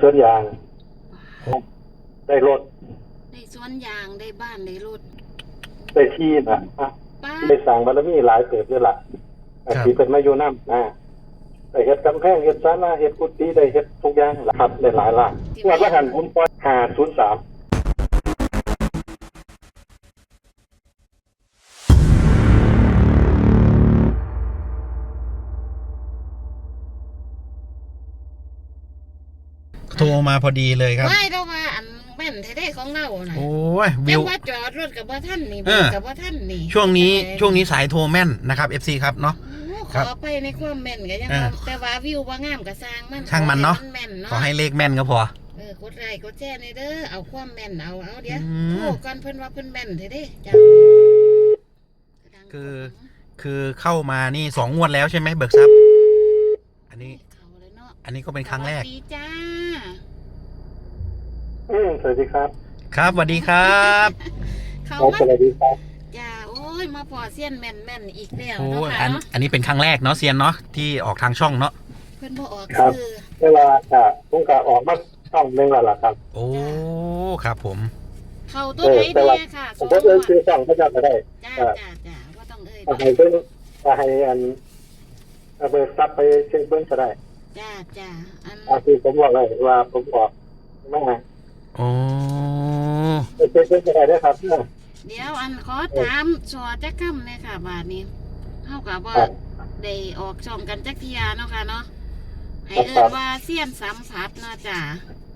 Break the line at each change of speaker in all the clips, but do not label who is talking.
สวนยางได้รถ
ได้สวนยางได้บ้านได้รถ
ได้ที่นะ
ป้า
ได้สั่งบารมีหลายเติบด้วยล่ะที่เป็นมาอยู่น้ำได้เฮ็ดกำแพงเฮ็ดศาลาเฮ็ดกุฏิได้เฮ็ดทุกอย่างล่ะครับได้หลายล้านว่าหันผมปล่อย503
โทรมาพอดีเลยครับ
ไม่เรามาอันแม่นแท้ๆของเราน่ะ
โอ้ยวิ
แต่
ว
ว่าจอดรถกับว่าท่านนี่กับว่าท่านนี่
ช่วงนี้สายโทรแม่นนะครับ FC ครับเนาะ
ขอไปในความแม่นก็ยังแต่ว่าวิวว่างามก็สร้างมัน
ช่างมันเนาะขอให้เลขแม่นก็พ
อกดไลค์กดแชร์ในเด้อเอาความแม่นเอาเดี๋ยวโทรก่อนเพิ่นว่าเพิ่นแม่นแท้ๆจ้ะ
คือเข้ามานี่2 งวดแล้วใช่ไหมเบิกทรัพย์อันนี้ก็เป็นครั้งแรก
สวัสดีจ้า
สวัสดีครับ
ครับสวัสดีครับ
เขา
สวัสดีครับ
จ้าโอ้ยมาพอเซียนแม่นอีกแล้ว
โอ้
เนาะค่ะ
อันนี้เป็นครั้งแรกเนาะเซียนเนาะที่ออกทางช่องเนาะ
เพิ่นบ่ออก
คือเวลาผมก็ออกมาช่องนึงแล้วล่ะครับ
โอ้ครับผม
เขาตัวไหนแน่ค่ะ
ผมก็ซื้อช่องก็จะได้
จ้าว่าต้อง
ให้เพิ่นให้เบิกทรัพย์ไปเช็คเบิ่งก็ได้
จ้า
ที่ผมบอกเลยว่าผมออกมา
โอ้
เช็คเบิ่งก็ได้ครับ
เดี๋ยวขอถามสอจักคำเลยค่ะบาทนี้เท่ากับว่าได้ออกช่องกันจักเทียเนาะค่ะเนาะให้ว่าเสี้ยนสัมผัสเนาะจ้า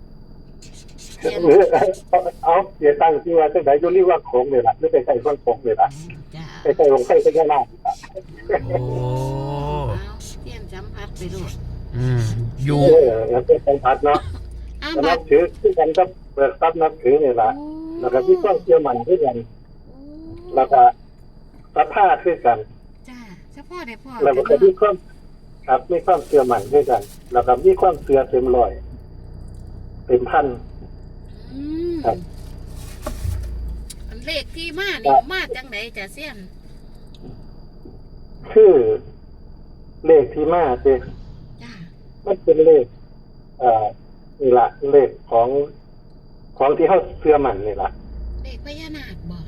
เอาเดี๋ยวตั้งที่ว่าจังได๋อยู่รีว่าโขงนี่ล่ะหรือไปใส่ข้างโขงนี่ล่ะไปใส่ลงใส่ก็ได้
โอ้
เสี้ยนสัมผัสไปดู
อยู่
แล้วเป็นสัมผัสเนาะนับถือที่กันก็เปิดทรัพย์นับถือนี่ล่ะแล้วก็มีความเชื่อมั่นด้วยกันแล้วก็ศรัทธาด้วยกัน
จ้าเฉพาะได้พ่อ
แล้วก็มีความครับมีความเชื่อมั่นด้วยกันแล้วก็มีความเชื่อเต็มร้อยเต็มพันครับ
เลขที่มานี่มาจังไหนจ้าเสี้ยน
คือเลขที่มาเด้มันเป็นเลขนี่ล่ะเลขของที่เขาเชื่อมั่นนี่ล่ะ
เลขพญานาคบ่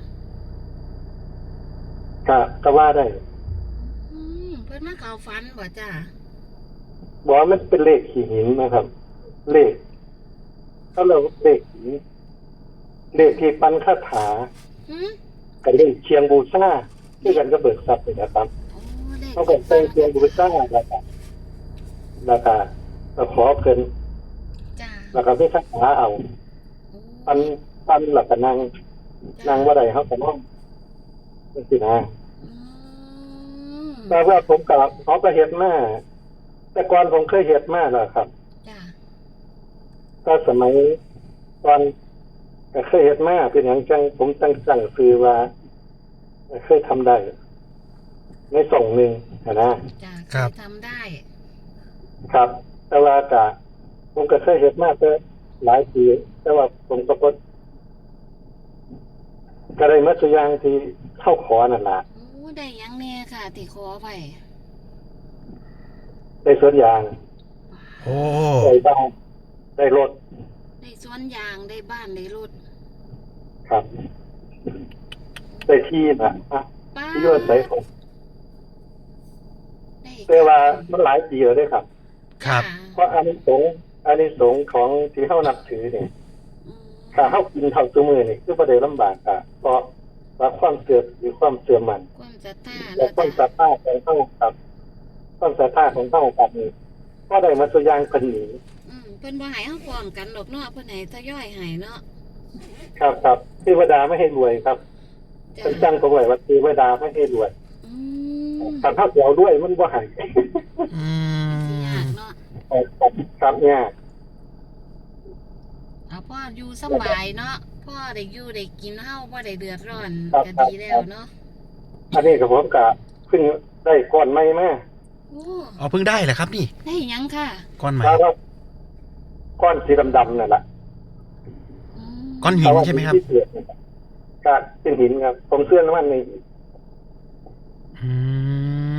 ก็ว่าได้
เพิ่นมาเข้าฝันบ่จ้า
บ่มันเป็นเลขขี้หินนะครับเลขเขาเรียกเลขหินเลขที่ปั้นคาถากับเลขเชียงบูชาที่กันก็เบิกทรัพย์นะครับเขาก็เป็นเชียงบูชาแล้วก็ขอเพิ่นแล้วก็ไม่คาถาเอาปั้นหลักกันนั่งว่าใดเขาก็นั่งนี่สินะแต่ว่าผมกับเขาก็เฮ็ดมาแต่ก่อนผมเคยเฮ็ดมาแล้วครับก็สมัยตอนก็เคยเฮ็ดมาเป็นอย่างจังผมตั้งสั่งซื้อว่าเคยทำได้ในส่งหนึ่ง
ครับทำได้
ครับแต่ว่าผมก็เคยเฮ็ดมาแต่หลายปีแต่ว่าผมก็ได้มาตัวอย่างที่เข้าขอนั่นล่ะ
ได้ยังแน่ค่ะที่ขอไป
ได้สวนยางได้บ้านได้รถ
ได้สวนยางได้บ้านได้รถ
ครับได้ที่นะที่อยู่อาศัยผมแต่ว่ามันหลายปีแล้วด้วยครับเพราะอานิสงส์ของที่เฮานับถือเนี่ยถ้าเฮากินเท่าซุมื้อนี่คือบ่ได้ลำบากเพราะว่าความเชื่อหรือความเชื่อมั่น
ความศรัทธา
และความศรัทธาของเฮาครับความศรัทธาของเฮาครับนี่ก็ได้มาตัวอย่างเพิ่นนี่
เพิ่นบ่ให้เฮาพร้อมกันดอกเนาะเพิ่นให้ทยอยให้เนาะ
ครับเทวดาไม่ให้รวยครับเพิ่นจังผมไว้ว่าเทวดาไม่ให้รวยถ้าเฮาสิเอาด้วยมันบ่ให้
ยากเนาะ
ครับยาก
พ่ออยู่สบายเนาะพ่อได้อยู่ได้กินเฮาบ่ได้เดือดร้อนก็ดีแล้วเนาะ
อันนี้ก็ผมก็เพิ่งได้ก้อนใหม่มา
เพิ่งได้เหรอครับนี่
ได้ยังค่ะ
ก้อนใหม่
ก้อนสีดำๆนั่นแหละ
ก้อนหินใช่ไหมครับ
ก็เป็นหินครับผมเชื่อมันใน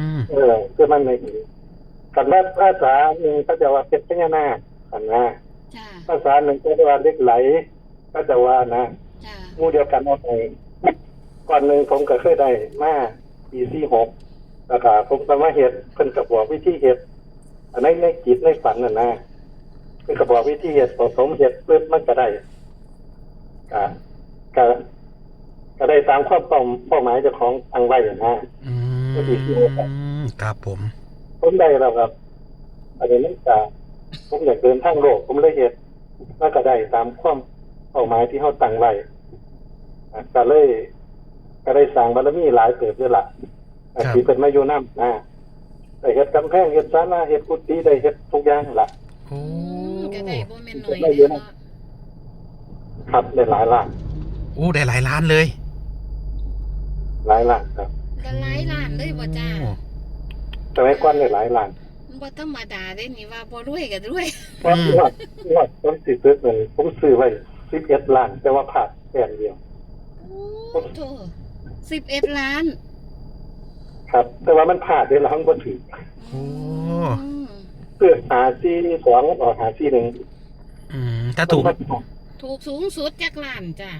เชื่อมันในหินกันว่าภาษาหนึ่งเขาจะว่าเพชรพญานาคกันนะ
จ้า
ภาษาหนึ่งก็ว่าเล็กไหลก็จะว่านะ
จ้า
หมู่เดียวกันเอาไปก่อนหนึ่งผมก็เคยได้มาปี46แล้วก็ผมก็มาเฮ็ดเพิ่นก็บอกวิธีเฮ็ดอันในจิตในฝันน่ะนะเพิ่นก็บอกวิธีเฮ็ดผสมเฮ็ดปึ๊บมันก็ได้ก็ก็ก็ได้ตามความเป้าหมายเจ้าของตั้งไว้นะ
อืมครับผม
ผมได้แล้วครับอันนี้มันจะผมอยากเดินทางโลกผมเลยเฮ็ดแล้วก็ได้ตามความเป้าหมายที่เฮาตั้งไว้ก็ได้สร้างบารมีหลายเติบด้วยล่ะที่เป็นมาอยู่นำนะได้เฮ็ดกำแพงเฮ็ดศาลาเฮ็ดกุฏิได้เฮ็ดทุกอย่างล่ะ
โอ้
ก็ได้บ่แม่นน้อยเด้อเนาะ
ครับได้หลายล้าน
โอ้ได้หลายล้านเลย
หลายล้านครับ
ก็หลายล้านเลยบ่จ้า
โอ้
สมัยก่อนได้หลายล้าน
มันบ่ธรรมดาเด้นี่ว่าบ่รวยก็รวย
เพราะว่าผมสิซื้อเงินผมซื้อไว้11ล้านแต่ว่าขาดแค่เดียว
โอ้โธ่11 ล้าน
ครับ แต่ว่ามันพลาดได้แล้วมันบ่ถึง
โอ้
อืม
เพื่อหาที่2ออกหาที่1
ถ้าถูก
ถูกสูงสุดจักล้านจ้า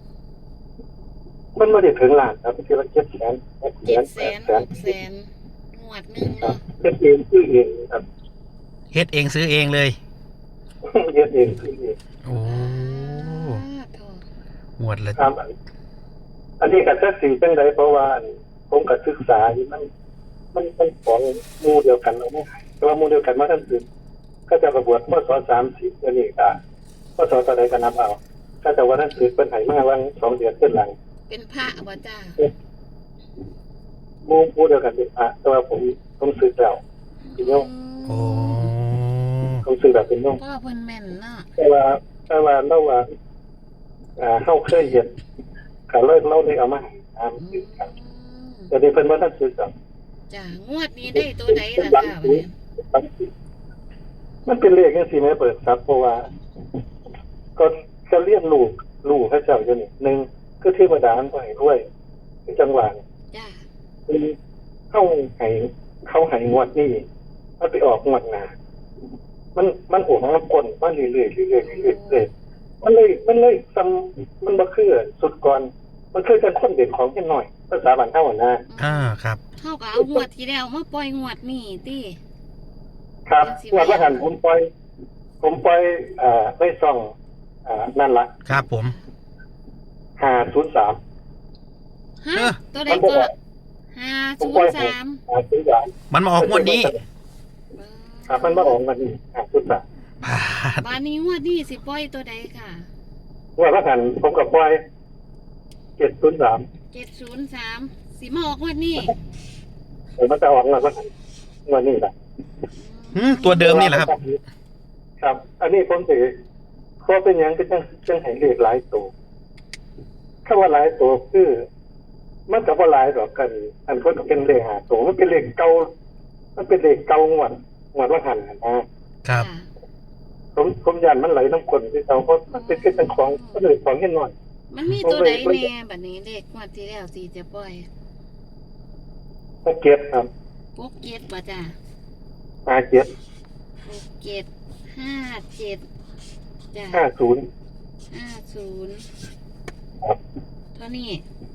มันไม่ได้ถึงล้านครับทีละ700,000
700,000 600,000งวดหนึง
ครับ
เนาะ
เฮ็ดเองซื้อเองครับ
เฮ็ดเองซื้อเองเลย
เฮ็ดเองซื้อเอง
โอ้
โธ่
หมวดละ
ครับอันนี้ก็จักสิจังไดเพราะว่าผมก็ศึกษาอยู่มันของหมู่เดียวกันเอาบ่แต่ว่าหมู่เดียวกันมาทั้งสิ้นก็จะประบวชพศ30อันนี้ก็พศเท่าใดก็นับเอาก็จะว่าทั้งสิ้นเพิ่นให้มาวัน2เดือนขึ้นหลัง
เป็นพระบ่จ้า
หมู่เดียวกันเป็นพระแต่ว่าผมสึกแล้วเป็นโยม
โอ้
ผมสึกแบบเป็นโยม
พ่อเพิ่นแม่นเนาะ
แต่ว่าเราว่าเฮาเคยเฮ็ดก็เลยเราได้เอามาให้ตามสึกกันแต่นี่เพิ่นบ่ทันสึกดอก
จ้างวดนี้ได้ตัวใดล่ะจ้าบัดนี้
มันเป็นเลขจังซี่แม่เปิดทรัพย์เพราะว่าก็เรียนรู้พระเจ้าอยู่นี่หนึ่งคือเทวดามันบ่ให้รวยคือจังหวะ
จ้า
เข้าให้งวดนี้มันไปออกงวดหน้ามันโอ้มันกลมาเรื่อยๆเรื่อยๆมันเลยซ้ำมันบ่คือสุดก่อนมันคือจังคนเด่นของแค่น้อยภาษาบ้านเฮาน่ะ
ครับ
เฮาก็เอางวดที่แล้วมาปล่อยงวดนี้ติ
ครับงวดว่าหันผมปล่อยในช่องนั่นล่ะ
ครับผม
503
ฮะตัวใดก็
ผมปล่อย
503
503
มันมาออกงวดนี้
ครับมันมาออกวันนี้503
พาด
บานนี้งวดนี้สิปล่อยตัวใดค่ะ
งวดว่าหันผมก็ปล่อย703
703สิมาออกงวดนี้
เดี๋ยวมันจะออกงวดว่าหันงวดนี้ล่ะ
ตัวเดิมนี่แหละครับ
ครับ อันนี้ผมถือเพราะเป็นอย่างก็จังให้เลขหลายตัวถ้าว่าหลายตัวคือมันก็บ่หลายดอกกัน อันคนก็เป็นเลข5ตัวมันเป็นเลขเก่ามันเป็นเลขเก่างวดว่าหันนะครับ ผมยันมันไหลน้ำคนที่เขาเพราะมันเป็นแค่ของมันเลยของแค่น้อย
มันมีตัวใดแน่บัดนี้เลขงวดที่แล้วสิจะปล่อย
ก็เก็บครับ
67บ่จ้า
5เก็บ
67 57จ้า
50
50
ครับ
เท่านี้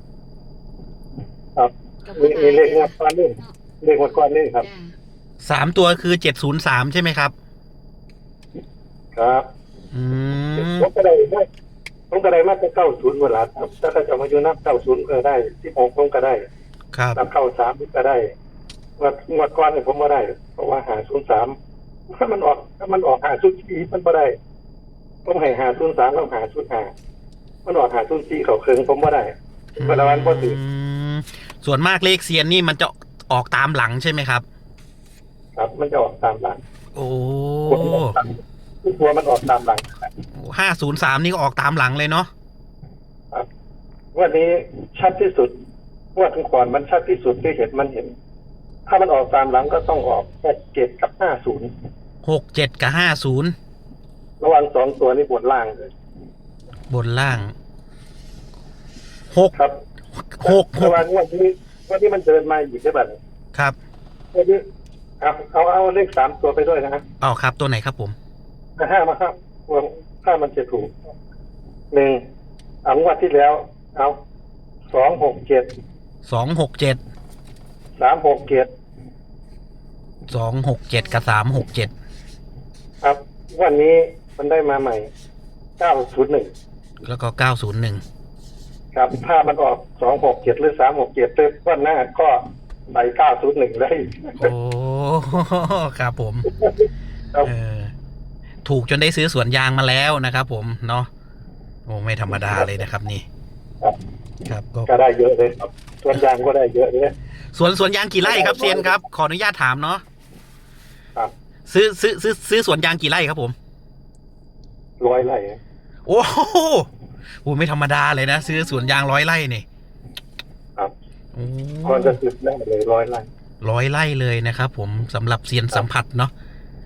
ครับ
ก็
มีเลขงวดก้อนนี่เลขงวดก้อนนี่ครับ
จ้า
3 ตัวคือ703ใช่ไหมครับ
ครับ ผมก็ได้มาจะ90เวลาครับถ้าจะมาอยู่นับ90ก็ได้16ผมก็ได้
ครับ
นับ93ก็ได้งวดก้อนนี่ผมบ่ได้เพราะว่า503ถ้ามันออก504มันบ่ได้ผมให้503แล้ว505มันออก504เขาเครื่องผมบ่ได้เวลาวันบ่ถือ
ส่วนมากเลขเซียนนี่มันจะออกตามหลังใช่ไหมครับ
ครับ มันจะออกตามหลัง
โอ้
ตัวมันออกตามหลัง
503นี่ก็ออกตามหลังเลยเนาะ
ครับวันนี้ชัดที่สุดว่าถึงก่อนมันชัดที่สุดที่เห็น ถ้ามันออกตามหลังก็ต้องออก67กับ50
67กับ50
ระหว่าง2ตัวนี้บนล่างเลย
บนล่าง
ครับ
6
ระหว่างวันที่มันเดินมาอีกใช่ป่ะ
ครับ
วันนี้เอาเลข3ตัวไปด้วยนะ
เอาครับตัวไหนครับผม
5มาครับว่าถ้ามันจะถูกหนึ่งงวดที่แล้ว เอา267
267
367
267กับ367
ครับวันนี้มันได้มาใหม่901
แล้วก็901
ครับถ้ามันออก267หรือ367เลยวันหน้าก็ใส่901เลย
โอ้ครับผม
ครับ
ถูกจนได้ซื้อสวนยางมาแล้วนะครับผมเนาะโอ้ไม่ธรรมดาเลยนะครับนี่ ครับ
ก็ได้เยอะเลยครับส่วนยางก็ได้เยอะเลย
สวนยางกี่ไร่ครับเซียนครับขออนุญาตถามเนาะ
ครับ
ซื้อสวนยางกี่ไร่ครับผม
100 ไร่
โอ้โหไม่ธรรมดาเลยนะซื้อสวนยาง100 ไร่นี่
ครับ
โอ้
ก่อนจะซื้อได้เลย100 ไร่
100 ไร่เลยนะครับผมสำหรับเซียนสัมผัสเนาะ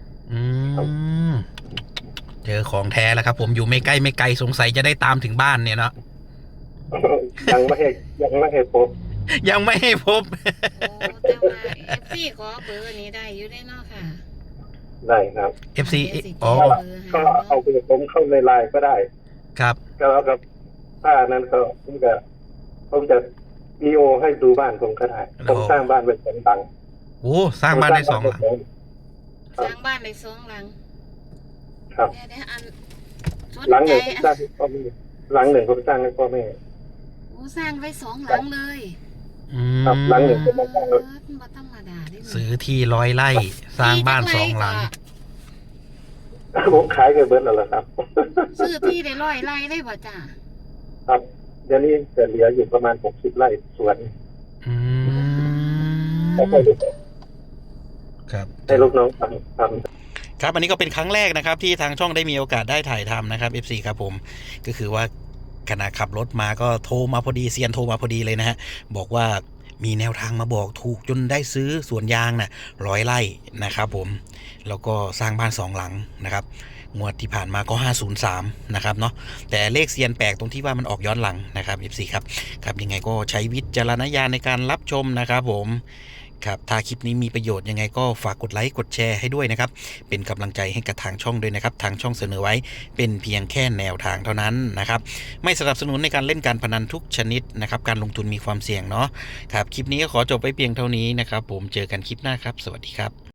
เจอของแท้แล้วครับผมอยู่ไม่ใกล้ไม่ไกลสงสัยจะได้ตามถึงบ้านเนี่ยเนาะ
ยังไม่ให้พบ
ยังไม่ให้พบ
โอ้แต่ว่าเอฟซีขอเบอร์นี้ได้อยู่ได้เนาะค่ะ
ได้ครับ
FC
อ๋
อ๋
อ
อ
ก็เอาไปผมเข้าในไลน์ก็ได้
ครับ
ก็แล้วกับถ้านั้นก็ผมจะวีโอให้ดูบ้านผมก็ได้ผมสร้างบ้านเป็น2 หลัง
โอ้สร้างบ้านได้2 หลัง
สร้างบ้านได้2 หลัง
ครับ
เดี๋ยวอันสน
หลังห
ใจ
นึ่งผมสร้างให้พ่อแม่หลังหนึ่งผมสร้างให้พ่อแม่
โอ้สร้างไว้2 หลังเลย
ครับหลังหนึ่งผมมาสร้าง
บ่ธรรมดาเด้
ซื้อที่100 ไร่สร้างบ้าน2 หลัง
ผมขายกันเบิร์ดแล้วล่ะครับ
ซื้อที่ได้100 ไร่ได้บ่จ้า
ครับเดี๋ยวนี้จะเหลืออยู่ประมาณ60 ไร่สวน
อืม
แล้วก็
ครับ
ให้ลูกน้องทำ
ครับอันนี้ก็เป็นครั้งแรกนะครับที่ทางช่องได้มีโอกาสได้ถ่ายทำนะครับ FC ครับผมก็คือว่าขณะขับรถมาก็โทรมาพอดีเซียนโทรมาพอดีเลยนะฮะบอกว่ามีแนวทางมาบอกถูกจนได้ซื้อสวนยางน่ะ100 ไร่นะครับผมแล้วก็สร้างบ้าน2 หลังนะครับงวดที่ผ่านมาก็503นะครับเนาะแต่เลขเซียนแปลกตรงที่ว่ามันออกย้อนหลังนะครับ FC ครับครับยังไงก็ใช้วิจารณญาณในการรับชมนะครับผมครับถ้าคลิปนี้มีประโยชน์ยังไงก็ฝากกดไลค์กดแชร์ให้ด้วยนะครับเป็นกำลังใจให้กับทางช่องด้วยนะครับทางช่องเสนอไว้เป็นเพียงแค่แนวทางเท่านั้นนะครับไม่สนับสนุนในการเล่นการพนันทุกชนิดนะครับการลงทุนมีความเสี่ยงเนาะครับคลิปนี้ก็ขอจบไปเพียงเท่านี้นะครับผมเจอกันคลิปหน้าครับสวัสดีครับ